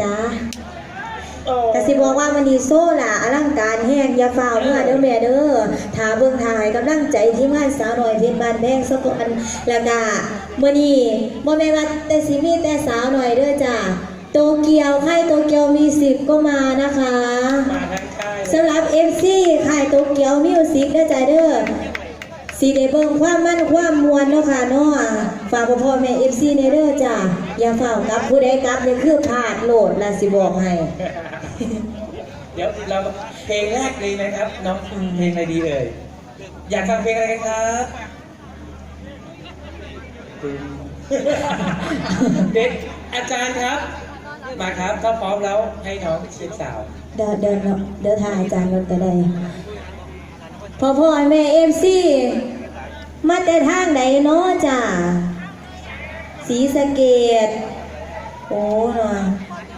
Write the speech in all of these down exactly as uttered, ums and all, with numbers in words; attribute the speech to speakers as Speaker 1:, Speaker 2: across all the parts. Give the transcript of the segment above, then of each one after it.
Speaker 1: จ้ากสิบอกว่ามันดีโซ่ล่ะอลังการแห้งอย่าฝ่าเมื่อเด้อแม่เด้อถ่าเบิ่งถ่ายกำลังใจที่งานสาวหน่อยเพชรบ้านแพงสกลแล้วก็มื้อนี้บ่แม่นว่าแต่สิมีแต่สาวหน่อยเด้อจ้าโตเกียวค่ายโตเกียวมิวสิกก็มานะคะ
Speaker 2: มาทั้งค่าย
Speaker 1: สำหรับ เอฟ ซี ค่ายโตเกียวมิวสิกเด้อจ้าเด้อสีได้เบิ่งความมั่นความมวลเนาะค่ะเนาะฝากพ่อแม่ เอฟ ซี ในเด้อจ้าอย่าเฝ้ากลับผู้ใดกลับนี่คือพลาดโหลดล่ะสิบอกให้
Speaker 2: เดี๋ยวเราเพลงแรกเลยนะครับน้องเพลงอะไรดีเอ่ยอยากฟังเพลงอะไรกันครับเด็กอาจารย์ครับมาครับถ้าพร้อมแล้วให้น้องเช็คสาว
Speaker 1: เดินเดินเดินทางอาจารย์รถก็ได้พ่อพ่อแม่เอฟซีมาแต่ทางไหนเนาะจ้าศรีสะเกษโอ้เนาะ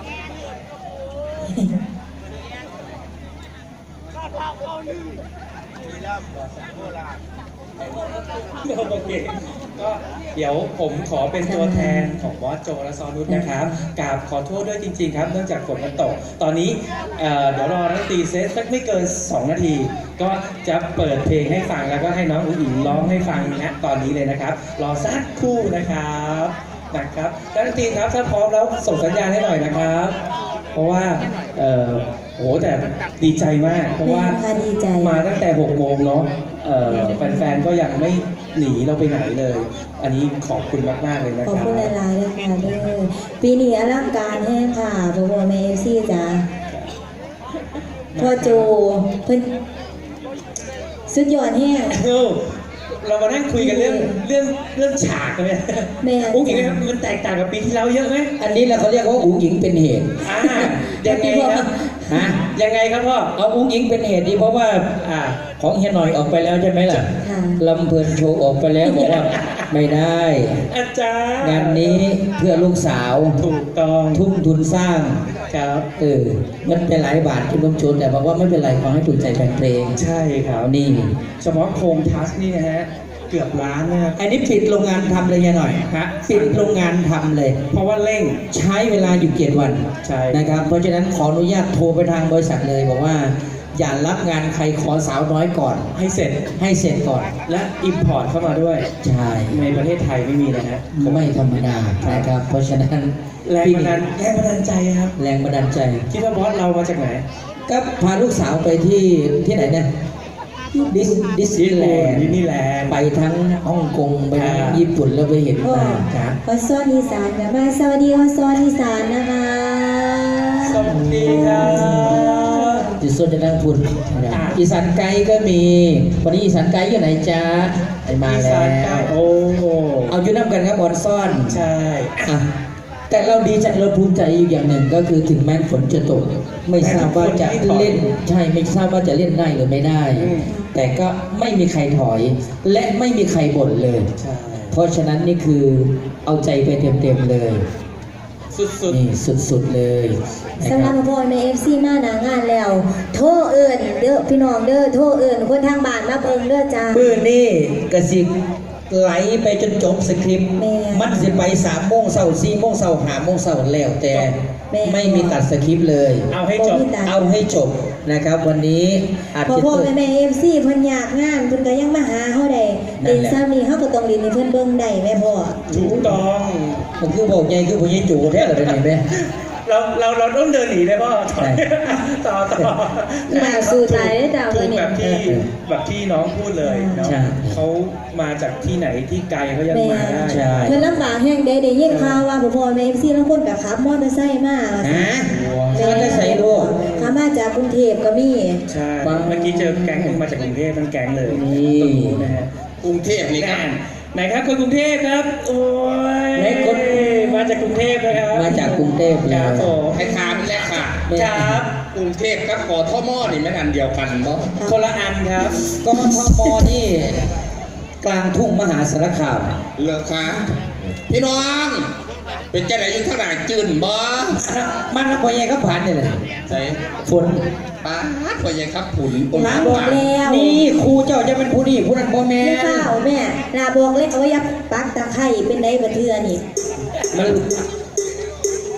Speaker 2: โอเคก็เดี๋ยวผมขอเป็นตัวแทนของบอสโจและซอนุชนะครับกราบขอโทษด้วยจริงๆครับเนื่องจากฝนมันตกตอนนี้เดี๋ยวรอนักตีเซตสักไม่เกินสองนาทีก็จะเปิดเพลงให้ฟังแล้วก็ให้น้องอุ๋งอิ๋งร้องให้ฟังนะตอนนี้เลยนะครับรอสักครู่นะครับนะครับนักตีครับถ้าพร้อมแล้วส่งสัญญาณให้หน่อยนะครับเพราะว่าเอ่อโอ้แต่ดีใจมากเพราะว่ามาตั้งแต่หกโมงเนาะแฟนๆก็ยังไม่หนีเราไปไหนเลยอันนี้ขอบคุณมากๆเลยนะครับ
Speaker 1: ขอบคุณหลายๆเลยค่ะเด้อปีนี้อลังการแห้งค่ะโบโบเมเอฟซีจ้าพ่อโจเพิ่นสุดยอดแห้ง
Speaker 2: เรามานั่งคุยกันเรื่องเรื่องเรื่องฉากกันเนี่ยอุ๋งอิ๋งครับมันแตกต่างกับปีที่แล้วเยอะไหม
Speaker 3: อันนี้เราเขาเรียกว่าอุ๋งอิ๋งเป็นเหตุ
Speaker 2: อ่ายังไงครับฮะยังไงครับพ่อ
Speaker 3: เอาอุ๋งอิ๋งเป็นเหตุดีเพราะว่าอ่าของเฮียหน่อยออกไปแล้วใช่ไหมล่ะลำเพลินโชว์ออกไปแล้วบอกว่าไม่ได้
Speaker 2: อาจารย์
Speaker 3: งานนี้เพื่อลูกสาว
Speaker 2: ถูกต้อง
Speaker 3: ทุ่มทุนสร้าง
Speaker 2: ครับ
Speaker 3: เออมันเป็นหลายบาทคุณลุงชนแต่บอกว่าไม่เป็นไรขอให้ถูกใจแฟนเพลง
Speaker 2: ใช่ครับ
Speaker 3: นี่
Speaker 2: เฉพาะโครงทัสนี่นะฮะเกือบล้านนะครับ
Speaker 3: อันนี้ปิดโรงงานทำเลยยังหน่อย
Speaker 2: ฮะ
Speaker 3: ปิดโรงงานทำเลย
Speaker 2: เพราะว่าเร่ง
Speaker 3: ใช้เวลาอยู่เจ็ดวัน
Speaker 2: ใช่
Speaker 3: นะครับเพราะฉะนั้นขออนุญาตโทรไปทางบริษัทเลยบอกว่าอย่ารับงานใครขอสาวน้อยก่อน
Speaker 2: ให้เสร็จ
Speaker 3: ให้เสร็จก่อน
Speaker 2: และอิมพอร์ตเข้ามาด้วย
Speaker 3: ใช่
Speaker 2: ในประเทศไทยไม่มีนะฮะ
Speaker 3: ไม่ธรรมดานะครับเพราะฉะนั้น
Speaker 2: แรงบันดาลแรงบันดาลใจครับ
Speaker 3: แรงบันดาลใจ
Speaker 2: คิดว่าบอสเรามาจากไหน
Speaker 3: ก็พาลูกสาวไปที่ที่ไหนเนี่ยดิสดิสนีย์แลนด์
Speaker 2: ดิสนีย์แลนด์
Speaker 3: ไปทั้งฮ่องกงไปทั้งญี่ปุ่นแล้วไปเห็นมา
Speaker 1: ครับอสอนอีสานกับมาสวัสดีอสอนอีสานนะคะ
Speaker 2: สวัสดีครับ
Speaker 3: จิตส่วนจะนั่งพูดอีสานไกด์ก็มีวันนี้อีสานไกด์อยู่ไหนจ๊ะไอมาแล้ว
Speaker 2: โอ้
Speaker 3: เอาอยู่น้ำกันครับบอลซ่อน
Speaker 2: ใช่
Speaker 3: แต่เราดีใจเราภูมิใจอยู่อย่างหนึ่งก็คือถึงแม้ฝนจะตกไม่ทราบว่าจะเล่นใช่ไม่ทราบว่าจะเล่นได้หรือไม่ได้แต่ก็ไม่มีใครถอยและไม่มีใครบ่นเลยเพราะฉะนั้นนี่คือเอาใจไปเต็มๆเลย
Speaker 2: สุด
Speaker 3: ๆนี่สุดๆเลย
Speaker 1: สำหรับพ่อในเอฟซีมาหนางานแล้วโทรเอิญเด้อพี่น้องเด้อโทรเอิญคนทางบ้านมาเบิ่งเด้อจ้า
Speaker 3: มื้อนี้กระสิไหลไปจนจบสคริปต์มันจะไปสามโมงเช้าสี่โมงเช้าห้าโมงเช้าแล้วแต่ไม่มีตัดสคริปต์เลย
Speaker 2: เอาให้จบ
Speaker 3: เอาให้จบนะครับวันนี้
Speaker 1: อาจจะพ่อแม่เอฟซีเพิ่นอยากงานเพิ่นก็ยังมาหาเฮาได้เดินซ้ำนี้เฮาก็ต้องเรียนให้เพิ่นเบิ่งได้แม่พ่อ
Speaker 2: ถูกต้อง
Speaker 3: มันคือบอกใหญ่คือผู้ใหญ่จู่แท้เลยนี่แม่
Speaker 2: เราเราเราต้องเดินหนีเลยพ่อต่อต่อ
Speaker 1: มาสู่ใจได้ดาวเลย
Speaker 2: เนี่ยแบบที่แบบที่น้องพูดเลยเนาะเขามาจากที่ไหนที่ไกลเขายังมาได้
Speaker 1: เพิ่นลำบากแห้งได้ได้ยินข่าวว่าพ่อแม่เอฟซีบางคนก็ขับมอเตอร์ไซค์มา
Speaker 3: ฮะมอเตอร์ไซค์ดู
Speaker 1: ขับมาจากกรุงเทพก็มี
Speaker 2: ใช่เมื่อกี้เจอแก๊งนึงมาจากกรุงเทพทั้งแก๊งเลย
Speaker 3: นี่
Speaker 2: นะฮะ
Speaker 3: กรุงเทพนี่ครับ
Speaker 2: ไหนครับคนกรุงเทพครับโอ้ย
Speaker 3: ไหนคน
Speaker 2: มาจากกรุงเทพนะครับ
Speaker 3: มาจากกรุงเทพ
Speaker 2: ครับผม
Speaker 4: ให้ถามแล้วค่ะ
Speaker 2: ครับ
Speaker 4: กรุงเทพกับกทมนี่ไม่อันเดียวกันเนาะ
Speaker 2: คนละอันครับ
Speaker 3: กทมนี่กลางทุ่งมหาสารคาม
Speaker 4: เลิกค่ะพี่น้องเป็นเจ้าไหนอยู่เท่าไหร่จืนบ่
Speaker 3: มันพอยังครับผ่านเนี่ยเลย
Speaker 4: ใช่
Speaker 3: ฝน
Speaker 4: ป้าพอยังครับผุน
Speaker 1: ลาบอกแล้ว
Speaker 3: นี่ครูเจ้าจะเป็นผู้นี่ผู้นั้นพ่อแม่
Speaker 1: ไม่เปล่าแม่ลาบอกเลยเอาไว้ยับปักตะไคร่เป็นไรบัดเทือนี่
Speaker 3: มัน
Speaker 1: ป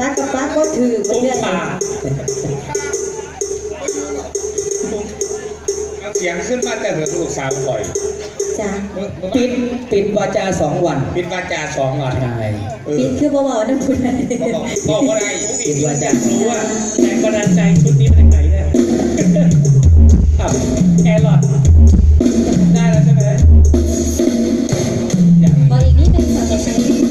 Speaker 1: ซักกับฟักก็ถือไป
Speaker 2: ปุ๊บ
Speaker 1: เรื่อย
Speaker 2: ปาก
Speaker 4: เสียงขึ้นมาแต่เหมือนลูกสาวปล่อย
Speaker 1: จ้ะ
Speaker 3: ปิดปิดวาจาสองวัน
Speaker 4: ปิดวาจาสองวัน
Speaker 3: ใช่
Speaker 4: เออ
Speaker 1: ปิดคือเบาๆน้ำพุน
Speaker 4: บอกบอกว่าไร
Speaker 3: ปิดวาจา
Speaker 2: รู้ว่าแรงบันดาลใจชุดนี้มาจากไหนเนี่ยอ่ะแอร์หลอดได้แล้วใช่ไหมอยาก
Speaker 1: บอกอีกนิดนึงค่ะจะใช้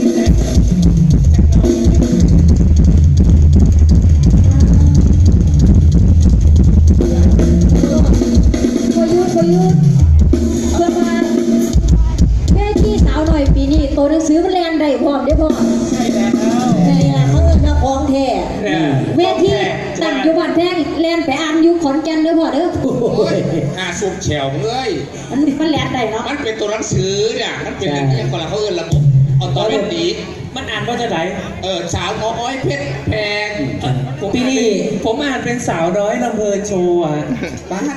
Speaker 5: พอยุดพอยุดเพื่อพาแม่ที่สาวหน่อยปีนี้ตัวหนังสือมันแรงได้พร้อมได้พร้อม
Speaker 2: ใช่แล้ว
Speaker 1: นี่แหละเขาเอิ้นว่าของแท้
Speaker 2: เนี่ย
Speaker 5: เวทีตั้งอยู่บ้านแพงแลนไปอ่านอยู่ขอนแก่นเด้อพ่อเด้อ
Speaker 4: โอ้ยอาสุกแฉวเอ้ย
Speaker 5: มันมันแลนได้เนาะ
Speaker 4: มันเป็นตัวหนังสือเนี่ยมันเป็นอย่างนี้คนละเขาเอินระบบออโตเมติก
Speaker 2: มันอ่านว่าจะไหน
Speaker 4: เออสาวน้อยเพชรแพง
Speaker 2: ผม
Speaker 3: ปี
Speaker 2: อ่าน
Speaker 3: นี้
Speaker 2: เป็นผมอ่านเป็นสาวน้อยลำเพลินโชว์อ่ะ
Speaker 4: บ้า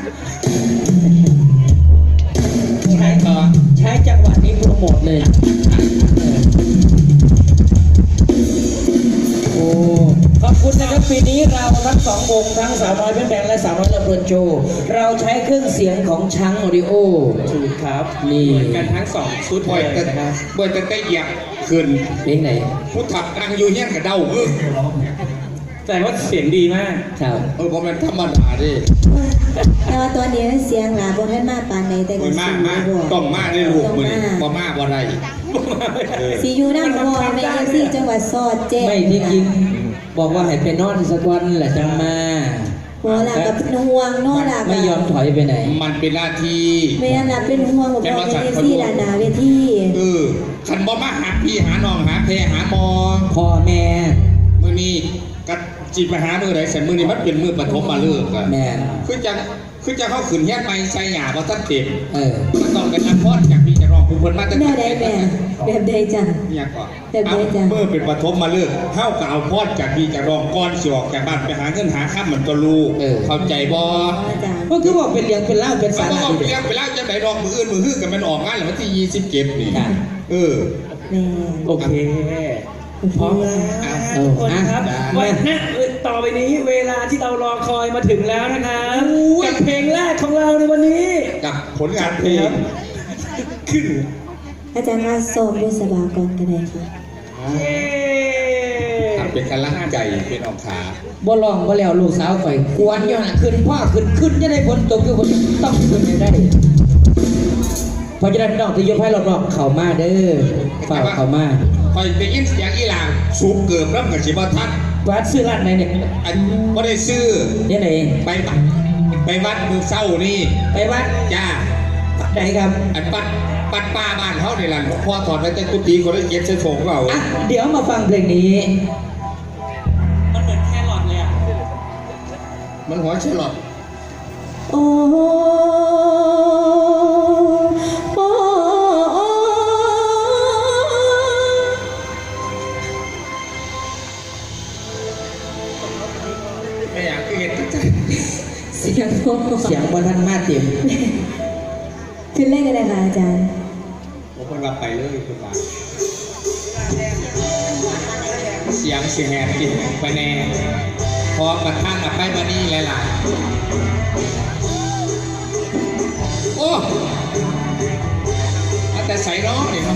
Speaker 3: ใช้ต่อใช้จังหวะนี้โปรโมทเลยโอ้ขอบคุณนะครับปีนี้เราทั้งสองวงทั้งสาวน้อยเป็นแบงและสาวน้อยลำเพลินโชว์เราใช้เครื่องเสียงของช้างออดิโอ
Speaker 2: ถูกครับ
Speaker 3: นี่
Speaker 2: เหมือนกันทั้งสองชุด
Speaker 4: บ่อย
Speaker 2: เล
Speaker 4: แต่
Speaker 2: ยนะครับ
Speaker 4: บ่อยแต่ได้เหยียบขึ้น
Speaker 3: เพลงไหน
Speaker 4: ผู้ถับกลางอยู่เงี้ยกับเด้าเออ
Speaker 2: แต่ว่าเสียงดีมาก
Speaker 3: ครับ
Speaker 4: เออเพราะมันธรรมดาดิ
Speaker 1: แต่ว่าตอนนี้เสียงหลาบนท่านมาปานในแต่
Speaker 4: มั
Speaker 1: ก็
Speaker 4: น
Speaker 1: สี
Speaker 4: มากมาก
Speaker 1: บ่
Speaker 4: ต้องมากในลูกมือนี่บ่มากบ่ได้เออ
Speaker 1: สีอยู่น้ำบ่ในเอฟซีจังหวัดสอดแจ้ง
Speaker 3: ไม่ที่จริงบอกว่าให้ไปนอนสักวันแหละจังมา
Speaker 1: หัวหลักกับห่วงนอนหลัก
Speaker 3: ไม่ยอมถอยไปไหน
Speaker 4: มันเป็นหน้าที่
Speaker 1: แม่หลักเป็นห่วงบอกว่าเป็นเอฟซีด้านหน้าเวที
Speaker 4: เออคันบ่มาหาพี่หาน้องหาแพรหาหมอ
Speaker 3: พ่อแม่
Speaker 4: มือนี้กัจีบไปหามือไหนใส่มือนี้มันเป็นมือปฐมมาเลิกอะ
Speaker 3: แม่
Speaker 4: คือจังคือจังเขาขืนแยกไปใส่หยาบ่ทันเต็ม
Speaker 3: เออ
Speaker 4: มันต้องกันรับพรจากพี่จะรองผู้เพิ่นมาตั้ง
Speaker 1: แม่ใดแม่แบบใดจ้ะ
Speaker 4: เนี่ยก่อน
Speaker 1: แบบใดจ๊ะ
Speaker 4: เมื่อเป็นปฐมมาเลิกเฮาก็เอาพรจากพี่จะรองก่อนสิออกจากบ้านไปหาเงินหาค่ำเหมือนตัวลูก
Speaker 3: เออ
Speaker 4: เข้าใจบ่
Speaker 1: อ๋อจ้ะ
Speaker 3: ก็คือบอกเป็นเลี้ยงเป็นเล่าเป็น
Speaker 4: มั
Speaker 3: สาน
Speaker 4: ก็
Speaker 3: ระ
Speaker 4: ออก
Speaker 3: ดี
Speaker 4: ไปเลี้ยงไปแล้วจะไหนดอกมืออื่นมือฮื้อกันมันออกงานแล้ววันที่ยี่สิบเจ็ดนี่
Speaker 3: ค่ะ
Speaker 4: เออ
Speaker 1: แม่
Speaker 2: โอเคพร้อมแล้ว
Speaker 3: เอ
Speaker 2: ทุ
Speaker 3: อก
Speaker 2: คนครับ
Speaker 3: อ่ะ
Speaker 2: วันหน้าต่อไปนี้เวลาที่เรารอคอยมาถึงแล้วนะครับกับเพลงแรกของเราในวันนี้
Speaker 4: กับผลงานเพลง
Speaker 2: ขึ้น
Speaker 1: อาจารย์มาสอบบุษบากรกันเลยค่ะ
Speaker 2: เย้
Speaker 4: ทำเป็นกำลังใจเป็นออกขา
Speaker 3: บ่ลองบ่แล้วลูกสาวข่อยกวนอยู่น่ะขึ้นพ่อขึ้นขึ้นจะได้ฝนตกคือคนต้องขึ้นให้ได้เพราะฉะนั้นน้องที่ยกให้รอบๆเข้ามาเด้อฝากเข้ามา
Speaker 4: คอยได้ยินเสียงอีหลางสูงเกิบแล้วกับสิบ่ทัน
Speaker 3: วัดซื้อร้านไหนเนี่ย
Speaker 4: อันบ่ได้ซื้อ
Speaker 3: เนี่ยไหน
Speaker 4: ไปวัดไปวัดมือเศร้านี่
Speaker 3: ไปวัด
Speaker 4: จ้า
Speaker 3: ไหนครับ
Speaker 4: อันปัดปัดป้าบ้านเขาในหลังพ่อถอดไว้แต่กุฏิคนได้เก็บใส่ถุงเรา
Speaker 3: อ่ะเดี๋ยวมาฟังเพลงนี้
Speaker 2: มันเหมือนแครอทเลยอ่ะ
Speaker 4: มันหัวฉลอด
Speaker 1: โอ้โอ้โอ้
Speaker 4: ไม่อยากคือเห็นก็ใจ
Speaker 1: เสียงโอ้
Speaker 3: เสียงบอทันมาเต็ม
Speaker 1: ขึ้นเลขอะไรคะอาจารย์
Speaker 4: ผมคนรับไปเลยคุณตาเสียงเสียงแหบกินไปแน่พอมาท่านอับไปมานี่หลายๆโอ้อาแต่ใส่น้องนี่เนาะ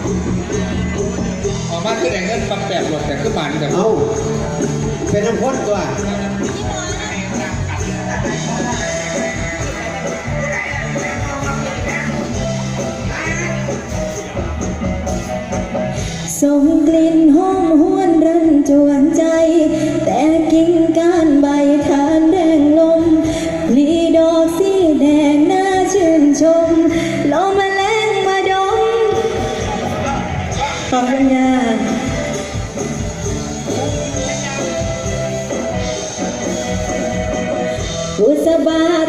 Speaker 4: ออกมาคือแต่เงินปั๊บแบบหลดแต่คือบานแต่
Speaker 6: เอาเป็นน้ำพ่นตัว
Speaker 1: ส่งกลิ่นหอมหวนรันจวนใจ แต่กิ่งก้านใบทานแดงลมพลีดอกสีแดงน่าชื่นชมลมแมลงมาดมขอบคุณค่ะบุษบา